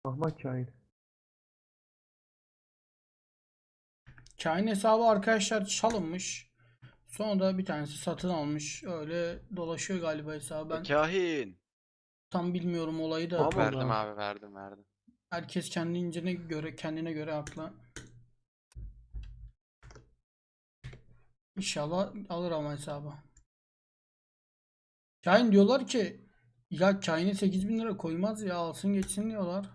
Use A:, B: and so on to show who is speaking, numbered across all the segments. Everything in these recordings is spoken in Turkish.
A: Ahmak kain.
B: Kain hesabı arkadaşlar çalınmış. Sonra da bir tanesi satın almış. Öyle dolaşıyor galiba hesabı. Ben
C: Kahin.
B: tam bilmiyorum olayı da.
A: Tamam.
C: Verdim
A: Allah.
C: abi verdim.
B: Herkes kendine göre haklı. İnşallah alır ama hesabı. Kain diyorlar ki ya Kain'e 8.000 lira koymaz ya alsın geçsin diyorlar.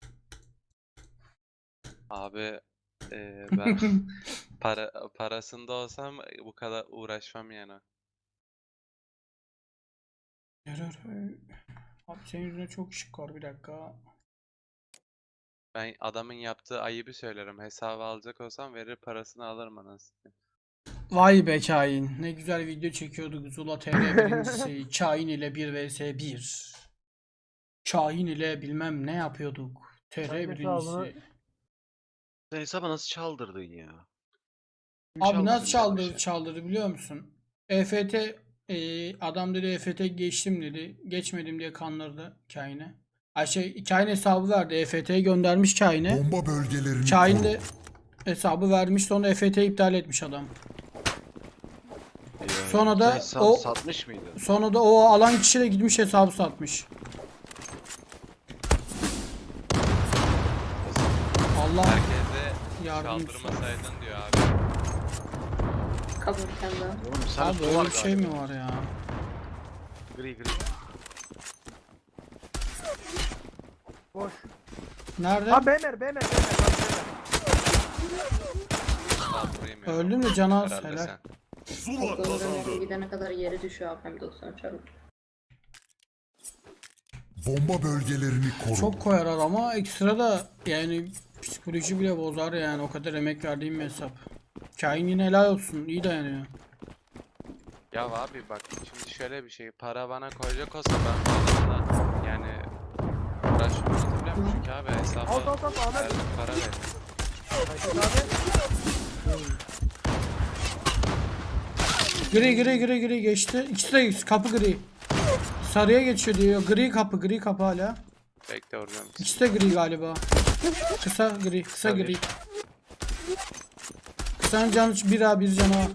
C: Abi ben parasında olsam bu kadar uğraşmam yani.
B: Abi senin yüzüne çok ışık var, bir dakika.
C: Ben adamın yaptığı ayıbı söylerim. Hesabı alacak olsam verir parasını alırım anasını.
B: Vay be Kain. Ne güzel video çekiyorduk. Zula TR birincisi. Kain ile 1 vs 1. Kain ile bilmem ne yapıyorduk. TR
A: Kain
B: birincisi.
A: hesabını-
C: Sen hesabı nasıl çaldırdın ya? Kim
B: Abi
C: çaldırdı
B: nasıl
C: bize bu işi?
B: çaldırdı biliyor musun? EFT adam dedi EFT geçtim dedi. Geçmedim diye kandırdı Kain'e. Kain hesabı verdi. EFT'ye göndermiş Kain'e.
D: Bomba bölgelerini
B: Kain
D: koru.
B: de hesabı vermiş, sonra EFT'yi iptal etmiş adam. Sonra da
C: Sen
B: o
C: satmış mıydı?
B: Sonra da o alan kişi de gitmiş hesabı satmış. Allah
C: Herkese
B: yardımcısı.
C: çaldırmasaydın diyor abi.
E: Kabul kendi.
C: Oğlum sen
B: Abi öyle bir şey mi var ya?
C: Gri.
A: Boş.
B: Nerede?
A: Ha Bemer.
C: Saldırayım ya.
B: Öldüm de cana az,
C: Herhalde
B: helal.
C: sen.
D: Zula kazandı.
E: Gidene kadar yere düşüyor AFM 90 çarpı.
D: Bomba bölgelerini koru.
B: Çok koyar ama ekstra da yani psikoloji bile bozar yani, o kadar emek verdiğim bir hesap. Kain yine helal olsun, iyi dayanıyor.
C: Ya abi bak şimdi şöyle bir şey. Para bana koyacak olsa ben bu adamla yani uğraşmam biliyor musun? Çünkü abi hesabı
A: Al Ahmet.
C: verdim, para ver.
A: Kain abi.
B: Gri geçti. İkisi de kapı gri. Sarıya geçiyor diyor. Gri kapı hala.
C: Bekle vuracağım.
B: İkisi de gri galiba. Kısa gri.
C: Tabii.
B: Kısanın canı bir canavar.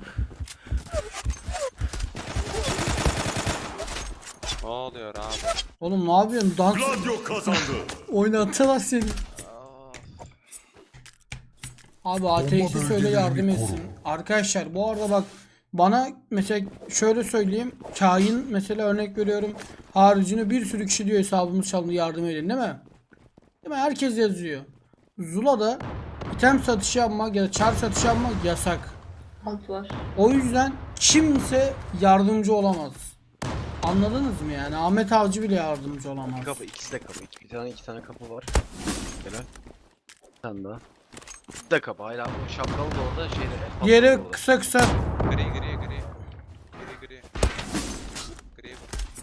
C: Ne oluyor abi?
B: Oğlum ne yapıyorsun? Dans
D: Gladio kazandı.
B: oynattılar seni. Abi ATX'i söyle
D: bölgelerini
B: yardım
D: koru.
B: etsin. Arkadaşlar bu arada bak, bana mesela şöyle söyleyeyim. Kain mesela, örnek veriyorum. Haricinde bir sürü kişi diyor hesabımız çalındı yardım edin, değil mi? Değil mi? Herkes yazıyor. Zula'da item satışı yapmak ya da çar satışı yapmak yasak.
E: Alt var.
B: O yüzden kimse yardımcı olamaz. Anladınız mı yani? Ahmet Avcı bile yardımcı olamaz.
F: Kapı, ikisi de kapı. İki tane kapı var. Helal. Bir tane daha. İkisi de kapı. Hala o şapkalı da orada şeyde.
B: Diğeri kısa.
C: Gri. Gri.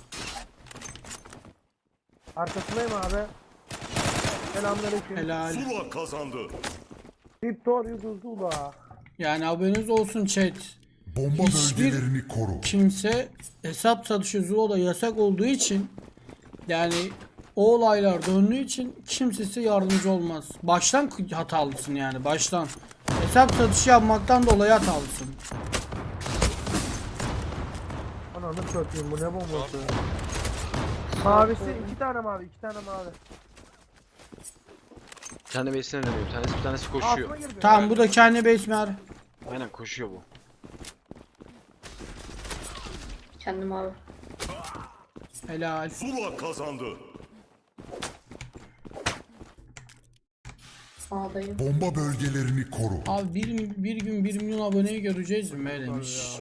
A: Arkasındayım abi. Selamünaleyküm.
B: Helal.
D: Zula kazandı.
A: Victor Zula.
B: Yani haberiniz olsun chat.
D: Bomba
B: Hiçbir
D: bölgelerini koru.
B: kimse hesap satışı Zula'da yasak olduğu için, yani o olaylar döndüğü için kimse size yardımcı olmaz. Baştan hatalısın yani, baştan. Hesap satışı yapmaktan dolayı hatalısın.
A: Ananı satayım, bu ne bombası? Mavisi 2 tane mavi.
F: Bir tane base'ine dönüyor. Bir tanesi koşuyor.
A: Altıma girdi.
B: Tamam, bu da kendi besmer.
F: Aynen koşuyor bu.
E: Kendim abi.
B: Helal.
D: Zula kazandı.
E: A'dayım.
D: Bomba bölgelerini koru.
B: Abi bir gün 1 milyon aboneyi göreceğiz mi demiş.